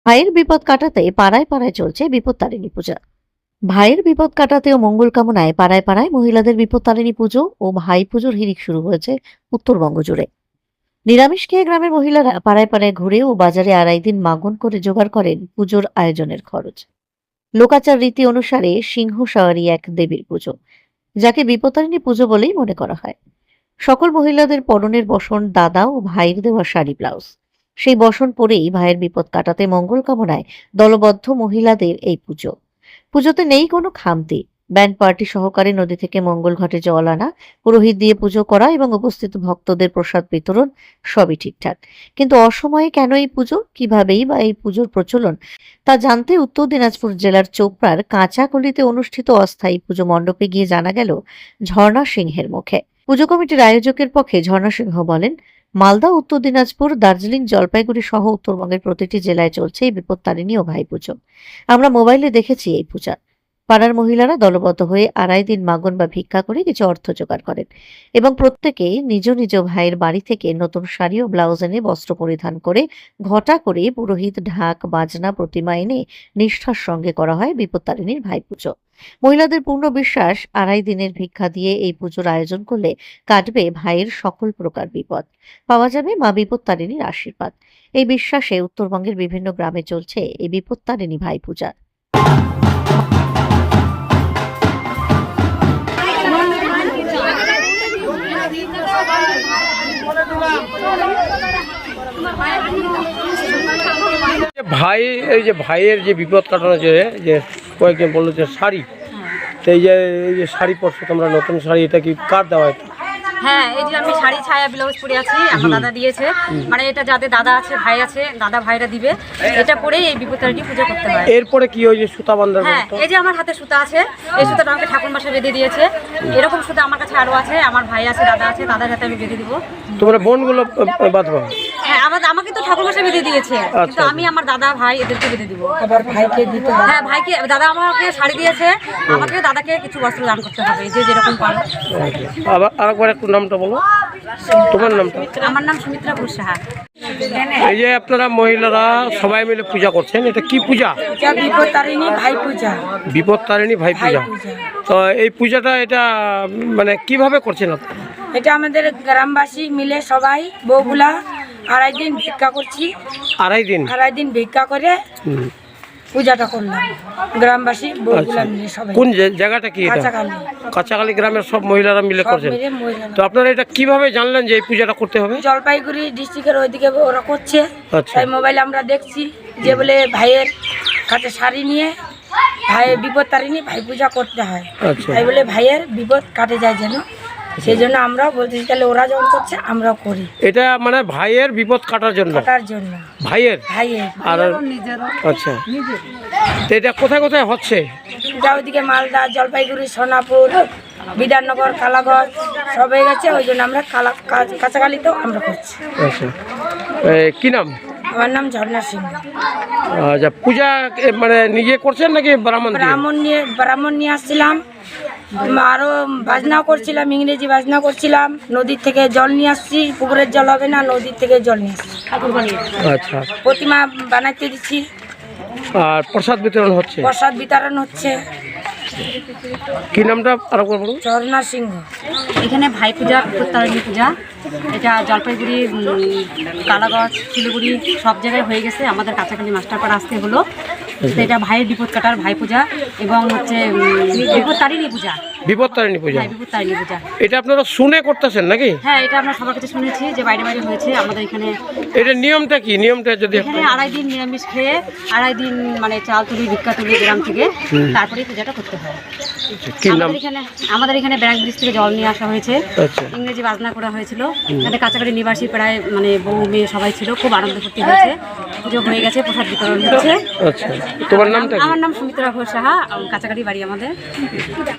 ভাইয়ের বিপদ কাটাতে পাড়ায় পাড়ায় চলছে বিপত্তারিণী পূজা। ভাইয়ের বিপদ কাটাতে ও মঙ্গল কামনায় পাড়ায় পাড়ায় মহিলাদের বিপত্তারিণী পুজো ও ভাই পুজোর হিড়িক শুরু হয়েছে উত্তরবঙ্গ জুড়ে। নিরামিষ খেয়ে গ্রামের মহিলারা পাড়ায় পাড়ায় ঘুরে ও বাজারে আড়াই দিন মাগন করে জোগাড় করেন পুজোর আয়োজনের খরচ। লোকাচার রীতি অনুসারে সিংহ সাওয়ারি এক দেবীর পুজো, যাকে বিপত্তারিণী পুজো বলেই মনে করা হয়। সকল মহিলাদের পরনের বসন দাদা ও ভাইয়ের দেওয়া শাড়ি ব্লাউজ। সেই বসন পরেই ভাইয়ের বিপদ কাটাতে মঙ্গল কামনায় দলবদ্ধ মহিলাদের এই পুজো। পুজোতে নেই কোনো খামতি। ব্যান্ড পার্টি সহকারে নদী থেকে মঙ্গল ঘাটে জল আনা, পুরোহিত দিয়ে পুজো করা এবং উপস্থিত ভক্তদের প্রসাদ বিতরণ সবই ঠিকঠাক। কিন্তু অসময়ে কেন এই পুজো, কিভাবেই বা এই পুজোর প্রচলন, তা জানতে উত্তর দিনাজপুর জেলার চোপড়ার কাঁচাকলিতে অনুষ্ঠিত অস্থায়ী পুজো মণ্ডপে গিয়ে জানা গেল ঝর্ণা সিংহের মুখে। পুজো কমিটির আয়োজকের পক্ষে ঝর্ণা সিংহ বলেন, মালদা, উত্তর দিনাজপুর, দার্জিলিং, জলপাইগুড়ি সহ উত্তরবঙ্গের প্রতিটি জেলায় চলছে এই বিপত্তারিণী ও ভাই পুজো। আমরা মোবাইলে দেখেছি এই পূজা। পাড়ার মহিলারা দলবদ্ধ হয়ে আড়াই দিন মাগন বা ভিক্ষা করে কিছু অর্থ জোগাড় করেন এবং প্রত্যেকে নিজ নিজ ভাইয়ের বাড়ি থেকে নতুন শাড়ি ও ব্লাউজ এনে বস্ত্র পরিধান করে ঘটা করে পুরোহিত ঢাক বাজনা প্রতিমা এনে নিষ্ঠার সঙ্গে করা হয় বিপত্তারিণীর ভাই পুজো। মহিলাদের পূর্ণ বিশ্বাস, আড়াই দিনের ভিক্ষা দিয়ে এই পুজোর আয়োজন করলে কাটবে ভাইয়ের সকল প্রকার বিপদ, পাওয়া যাবে মা বিপত্তারিণীর আশীর্বাদ। এই বিশ্বাসে উত্তরবঙ্গের বিভিন্ন গ্রামে চলছে এই বিপত্তারিণী ভাই পূজা। ভাই, এই যে ভাইয়ের যে বিপদ কাটানো যে কয়েকজন বললো যে শাড়ি, তো এই যে শাড়ি পরছো তোমরা, নতুন শাড়ি, এটা কি কার দেওয়া? হ্যাঁ, এই যে আমি শাড়ি ছায়া ব্লাউজ পরে আছি, আমার দাদা দিয়েছে। মানে এটা যাদের দাদা আছে, ভাই আছে, দাদা ভাইরা দিবে। এটা পরেই এই বিপত্তারিণী পুজো করতে হয়। এরপরে কি ওই যে সুতা বাঁধার? হ্যাঁ, এই যে আমার হাতে সুতা আছে, এই সুতাটা আমাকে ঠাকুর মশাই বেঁধে দিয়েছে। এরকম সুতা আমার কাছে আরো আছে, আমার ভাই আছে, দাদা আছে, দাদার হাতে আমি বেঁধে দিব। তোমরা বোনগুলো বাঁধবা? হ্যাঁ, আমাকে তো ঠাকুর মশাই বেঁধে দিয়েছে, কিন্তু আমি আমার দাদা ভাই এদেরকে বেঁধে দিব। আবার ভাইকে দিতে হবে। হ্যাঁ, ভাইকে, দাদা আমাকে শাড়ি দিয়েছে, আমাকে দাদাকে কিছু বস্ত্র দান করতে হবে, যে যেরকম পারে। আবার আরেকবার একটু নামটা বলো, তোমার নামটা? আমার নাম সুমিত্রা ঘোষ সাহা। এই যে আপনারা মহিলারা সবাই মিলে পূজা করছেন, এটা কি পূজা? এটা বিপত্তারিণী ভাই পূজা। বিপত্তারিণী ভাই পূজা। তো এই পূজাটা এটা মানে কিভাবে করছেন আপনারা? এটা আমাদের গ্রামবাসী মিলে সবাই বউগুলা আড়াই দিন ভিক্ষা করছি। আড়াই দিন ভিক্ষা করে পূজাটা করলাম, গ্রামবাসী বউগুলা মিলে সবাই। কোন জায়গাটা কি এটা? কাঁচাকালি। কাঁচাকালি গ্রামের সব মহিলারা মিলে সব করছেন। মিলে মহিলারা। তো আপনারা এটা কিভাবে জানলেন যে এই পূজাটা করতে হবে? জলপাইগুড়ি ডিস্ট্রিক্টের ওইদিকে ওরা করছে, আচ্ছা। তাই মোবাইলে আমরা দেখছি যে বলে ভাইয়ের কাছে শাড়ি নিয়ে ভাইয়ের বিপত্তারিণী ভাই পূজা করতে হয়। আচ্ছা। তাই বলে ভাইয়ের বিপদ কাটে যায় যেন, সেই জন্য আমরাও বলতেছি তাহলে ওরা যখন করছে আমরাও করি। এটা মানে ভাইয়ের বিপদ কাটার জন্য? কাটার জন্য। ভাইয়ের আর আচ্ছা। তো এটা কোথায় কোথায় হচ্ছে? এটা ওইদিকে মালদা, জলপাইগুড়ি, সোনাপুর, বিধাননগর, কালাগঞ্জ সব হয়ে গেছে। ওই জন্য আমরা কাছাকালিতেও আমরা করছি। আচ্ছা, কি নাম? আমার নাম ঝর্ণা সিং। আচ্ছা, পূজা মানে নিজে করছেন নাকি ব্রাহ্মণ? ব্রাহ্মণ নিয়ে আসছিলাম, আরো বাজনা করছিলাম, ইংরেজি বাজনা করছিলাম। নদীর থেকে জল নিয়ে আসছি, পুকুরের জল হবে না, নদীর থেকে জল নিয়ে আসছি। আচ্ছা, প্রতিমা বানাইতে দিচ্ছি। আর প্রসাদ বিতরণ হচ্ছে? প্রসাদ বিতরণ হচ্ছে। কি নামটা আরো বলুন? ঝর্ণা সিংহ। এখানে ভাই পূজা, বিপত্তারিণী পূজা, এটা জলপাইগুড়ি, কালাগঞ্জ, শিলিগুড়ি সব জায়গায় হয়ে গেছে। আমাদের কাছাকাছি মাস্টারপাড়া আসতে হলো। তো এটা ভাইয়ের বিপদ কাটার ভাই পূজা এবং হচ্ছে বিপত্তারিণী পূজা। বিপত্তারিণী পূজা। হ্যাঁ, বিপত্তারিণী পূজা। এটা আপনারা শুনে করতেছেন নাকি? হ্যাঁ, এটা আমরা সবার কাছে শুনেছি যে বাইরে বাইরে হয়েছে আমাদের এখানে। এটা নিয়মটা কি? নিয়মটা যদি এখানে আড়াই দিন নিরামিষ খেয়ে আড়াই দিন মানে চাল তুলি, ভিক্ষা তুলি গ্রাম থেকে, তারপরে পূজাটা করতে হয়। আমাদের এখানে ব্যাংক ব্রিজ থেকে জল নিয়ে আসা হয়েছে। আচ্ছা। ইংরেজি বাজনা করা হয়েছিল। আমাদের কাছাকাছি নিবাসী প্রায় মানে বউ মেয়ে সবাই ছিল, খুব আনন্দ ফুর্তি হয়েছে। পুজো হয়ে গেছে, প্রসাদ বিতরণ হচ্ছে। আচ্ছা, তোমার নামটা? আমার নাম সুমিত্রা ঘোষ সাহা, কাছাকাছি বাড়ি আমাদের।